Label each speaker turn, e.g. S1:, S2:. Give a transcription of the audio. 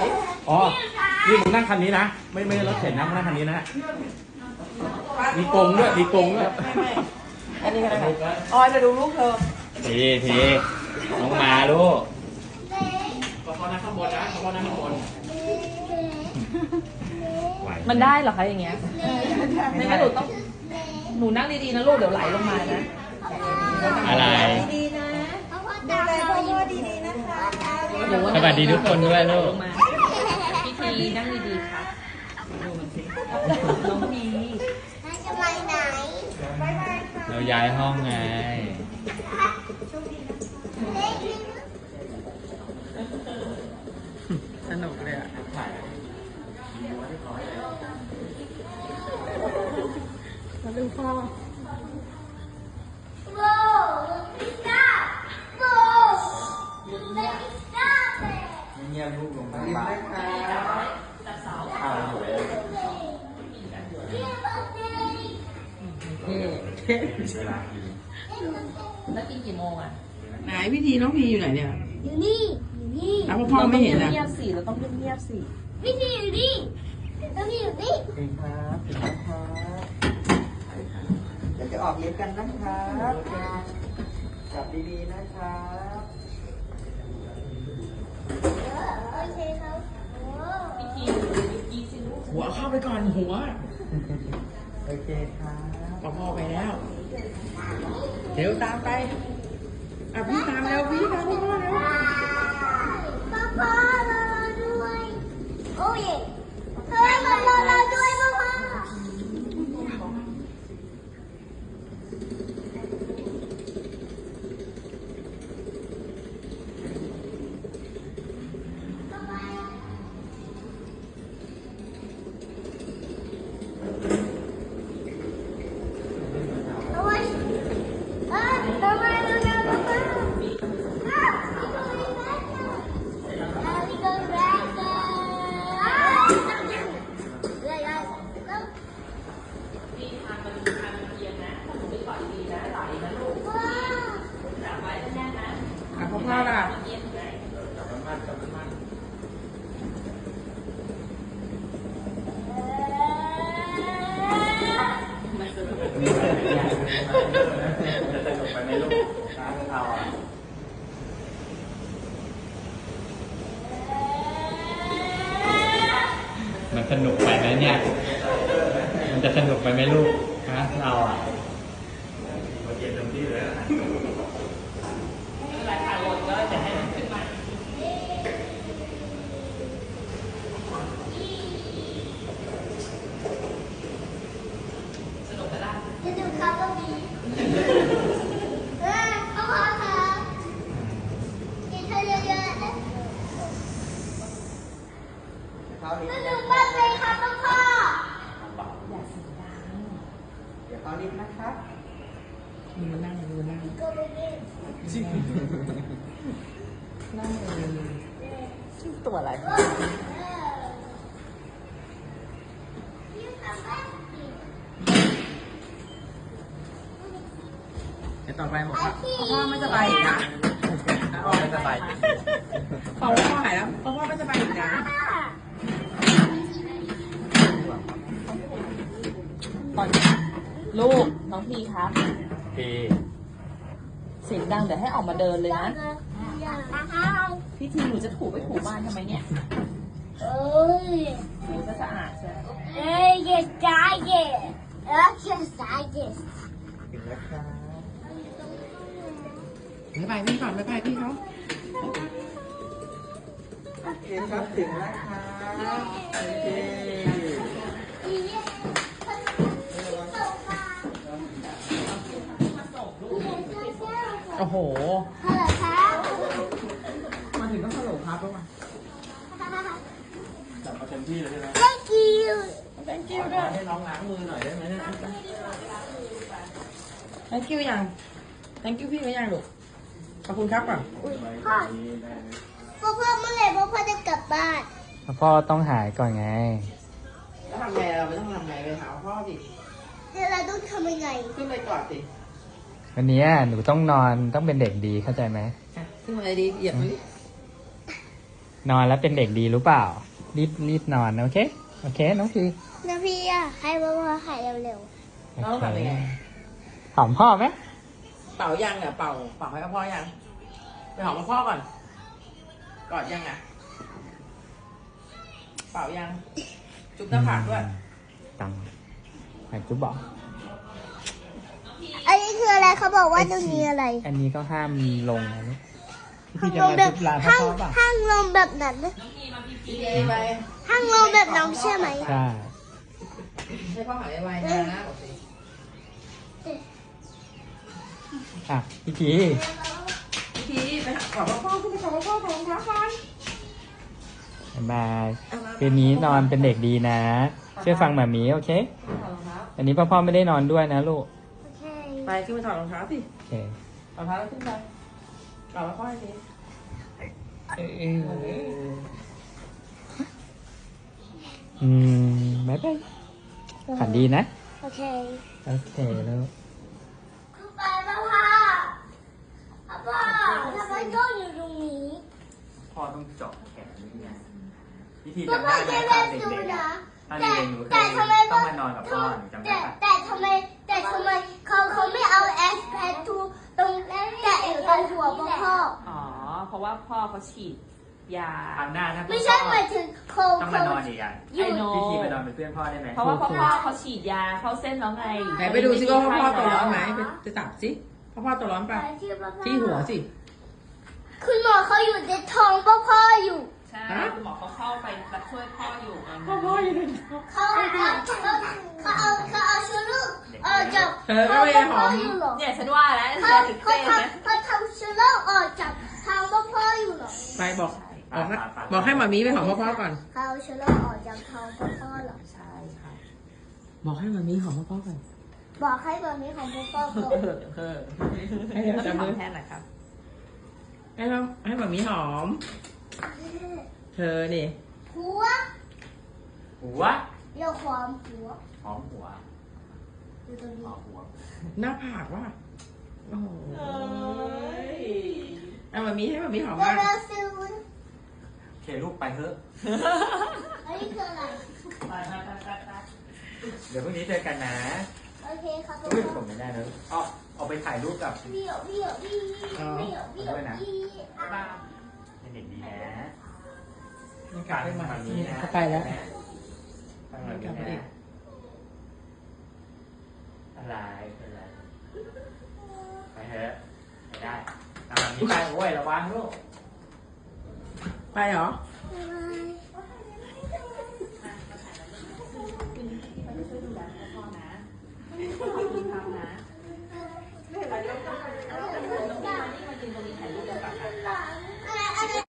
S1: อ๋อนี่มึงนั่งคันนี้นะไม่รถเข็นนะมึงนั่งคันนี้นะมีกงด้วยมีกงด้วย
S2: อันนี้ก็ได้อ๋อจะดูลูกเธอ
S1: ทีน้องมาลูกพอนั่งข้างบนนะพอนั่งข้างบน
S3: มันได้เหรอคะอย่างเงี้ยไม่งั้นหนูนั่งดีๆนะลูกเดี๋ยวไหลลงมานะ
S1: อะไร
S2: ดีๆนะดูแลพ่อดีๆนะคะ
S1: สวัสดีทุกคนด้วยลูก
S3: พี่ทีนั่งดีๆครับน้องพี
S4: จะไปไหน
S1: เราย้ายห้องไง
S3: สนุกเลยอ่ะมาดูพ่อ
S4: โบพิซซ่าโบพิซซ่า
S1: เงียบลูกลงมาบ้านจับเสาเอาหัว
S3: เท่แล้วกินกี่โมงอ่ะ
S2: ไหนพี่ทีน้องพีอยู่ไหนเนี่ย
S4: อยู่นี่
S2: แล้วพ่อไม่เห็นอ่ะ
S3: เงียบสิเราต้องเงียบสิ
S4: พี่ทีอยู่นี่แล้วพี่อยู่นี่
S2: เองครับถึงแล้วครับเดี๋ยวจะออกเย็บกันนะครับจับดีๆนะครับ
S4: โอเคครับ
S3: พี่ทีกีสิลูก
S2: หัวเข้าไปก่อนหัวโอเคครับพ่อไปแล้วเดี๋ยวตามไปอ่ะพี่ตามแล้วพี่ตามพ่อแล้ว
S4: พ่อรอด้วยโอ้ยเฮ้ยรอด้วยพ่อ
S2: พ่อล่ะ
S1: มันสนุกไปไหมเนี่ยมันจะสนุกไปไหมลูกฮะเราอ่ะมาเก็บเต็มที่เลย
S3: หลายขาลงก็จะให้มันขึ้นมาสนุกก็ได้
S4: จะดูครับก็มีพ่อครับกินเธอเยอะๆนะจะดูบ้านเลยครับพ่อ
S3: อย่าเสียงดัง
S2: เดี๋ยวเอาลิฟต์นะครับมานั่งดูนั่ง
S4: ก็ไม่ได้
S3: นั่งเลยตัวอะไร
S2: เดี๋ยวต่อไปบอกว่าพ่อไม่สบายอีกนะพ่อไม่สบายพอพ่อหายแล้วพ่อไม่สบายอีกนะ
S3: ตอนลูกน้องพีครับเสียงดังเดี๋ยวให้ออกมาเดินเลยนะพี่ทีหนูจะถูไปถูบ้านทำไมเนี่ยถูจะสะอาดใช่ไหม
S4: yes yes yes yes
S2: ถึงแล้วครับบ๊ายบายพี่ก่อนบ๊ายบายพี่เขาโอเคครับถึงแล้วครับโอเคโอ้โหมาถึงต้องฮัลโหลครับแล้วมาจับมาเต็มที่เลยใช่ไหม
S4: thank you
S2: thank you ด้วยให้น้องล้างมือหน่อยได้ไหมเนี่ย thank you ยัง thank you พี่ก็ยังลูกขอบคุณครับก่อน
S4: พ่อเมื่อไหร่พ่อจะกลับบ้าน
S1: พ่อต้องหายก่อนไง
S2: แล้วทำไงเราไม่ต้องทำไงไปหาพ่อสิ
S4: แล้วเราต้องทำยังไง
S2: ขึ้นไปกอดสิ
S1: วันนี้หนูต้องนอนต้องเป็นเด็กดีเข้าใจไหม
S2: ขึ้นมาเลยดีเหยียบมือ
S1: นอนแล้วเป็นเด็กดีรู้เปล่า รีบนอนโอเค โอเคน้องพี
S4: แล้วพี่อ่ะให้พ่อหายเร็ว
S2: น้องแบบยังไง
S1: หอมพ่อไหม
S2: เป่ายังเนี่ยเป่าให้พ่อยังไปหอมพ่อก่อนกอดยังอ่ะเป่ายังจุ๊บหน้าผากด้วย
S1: ตังไหนจุ๊บบอก
S4: ๆอันนี้คืออะไรเขาบอกว่าตรงนี้อะไร
S1: อันนี้ก็ห้ามลงนะลูกพี่
S4: ห้าม
S1: จะ
S4: ล
S1: มาง
S4: แบบ
S1: จุ๊บลาพ่
S4: ห้าง
S1: อเปล่า
S4: ห้างลงแบบนั้นนะ
S2: พี่เอไป
S4: ห้างลงแบบน้องใช่ไหม
S1: ใช่
S2: ให้พ่อหายไวๆนะบอกสิ
S1: อ่ะพี่พี
S2: พี่ไปหาขอพ่อขึ้นไปขอพ่อของท้าก่อน
S1: บ๊ายบายคืนนี้นอนเป็นเด็กดีนะเชื่อฟังหมามีโอเค
S2: ถอดรองเท้า
S1: อันนี้พ่อไม่ได้นอนด้วยนะลูก
S4: โอเค
S2: ไปขึ้นไปถอดรองเท้าสิ
S1: โอเค
S2: ถอดรองเท้าแล้วขึ้นไปกอดพ่อให้สิ
S1: บ๊ายบายฝันดีนะ
S4: โอเค
S1: โอเคแล้ว
S4: คือไปพ่อทำไมต้องอยู่ตรงนี้
S1: พ่อต้องเจาะแขนนี่ไงวิธี
S4: พ่อ
S1: จำได้ไหม
S4: จะ
S1: ตอ
S4: เล่
S1: น
S4: น
S1: เด็
S4: ดู
S1: กๆ
S4: นะ
S1: ตอนเด็กๆหนูเค
S4: แต่
S1: ย
S4: ทำไม
S1: ต้องมานอนกับพ่อหนูจำได้ปะ
S4: แต่ทำไมเขาไม่เอาแอสแพททูตรงแตะอยู่ตรงหัวพ่อ
S3: อ๋อ เพราะว่าพ่อเขาฉีดยา
S1: ครั้งหน้าถ้า
S4: ไม่ใช่หมายถึงโค
S1: ต้องมานอนอีกอ่ะ
S3: ไอ้โน
S1: วิธีมานอนเป็นเพื่อนพ่อได้ไหม
S3: เพราะว่าพ่อเขาฉีดยาเข้าเส้นแล้วไง
S2: ไหนไปดูซิว่าพ่อตัวร้อนไหมไปจับสิพ่อตัวร้อนป่ะที่หัวสิ
S4: คุณหมอเขาอยู่ในท้องพ่ออยู่
S3: ใช่คุณหมอเขาเข้าไปช่วยพ่ออยู่
S2: พ่ออยู่ใน
S4: เขาเอาชูลูกจาก
S2: เธอก็ไปหอม
S4: อยู่หรอ
S3: เนี่ยฉันว่าแล้ว
S4: เขา
S3: จะถึงเต้นนะ
S4: ทำชูลูกออกจากทางพ่ออยู่หรอ
S2: ไปบอกให้หมามีไปหอมพ่อก่อน
S4: เขาเอาชูลูกออกจากท้องพ่อหรอ
S3: ใช่ค่ะ
S2: บอกให้หมามีหอมพ่อก่อน
S4: บอกให้แบบนี้ของพ่อก่อน
S2: ให้เราจับมือ
S3: แทนหน่อยครับ
S2: ให้หมามีหอม เธอนี่
S4: หัว
S1: หัว
S4: เรียกความหัว
S1: หอมหัว
S4: อยู่ตรง
S1: ห
S4: นี้
S1: อมหัว
S2: หน้าผากว่ะโอ้โหเอาหมามีให้หมามีหอม
S4: เดี๋ย
S2: มาว ก
S4: เราซื้อ
S1: โอเคลูกไปเถอะ
S4: อันนี้คืออะไร
S1: เดี๋ยวพรุ่งนี้เจอกันนะ
S4: โอเคครับพ่
S1: อุ้ย
S4: อ
S1: ผมไม่ได้แล้วอ๋อเอาไปถ่ายรูปกับ
S4: พี่
S1: เป็นเด็กดีนะ
S2: นี่กลับไปใหม่
S1: ฝั่งนี้นะ
S2: เขาไปแล้ว
S1: ฝั่งนี้
S2: กลับไปอี
S1: นะ
S2: ก
S1: อะไรเป็นไรไปเถอะไปได้ตามนี้ไปโอ้ยระวังลูก
S2: ไปเหรอ
S1: ไ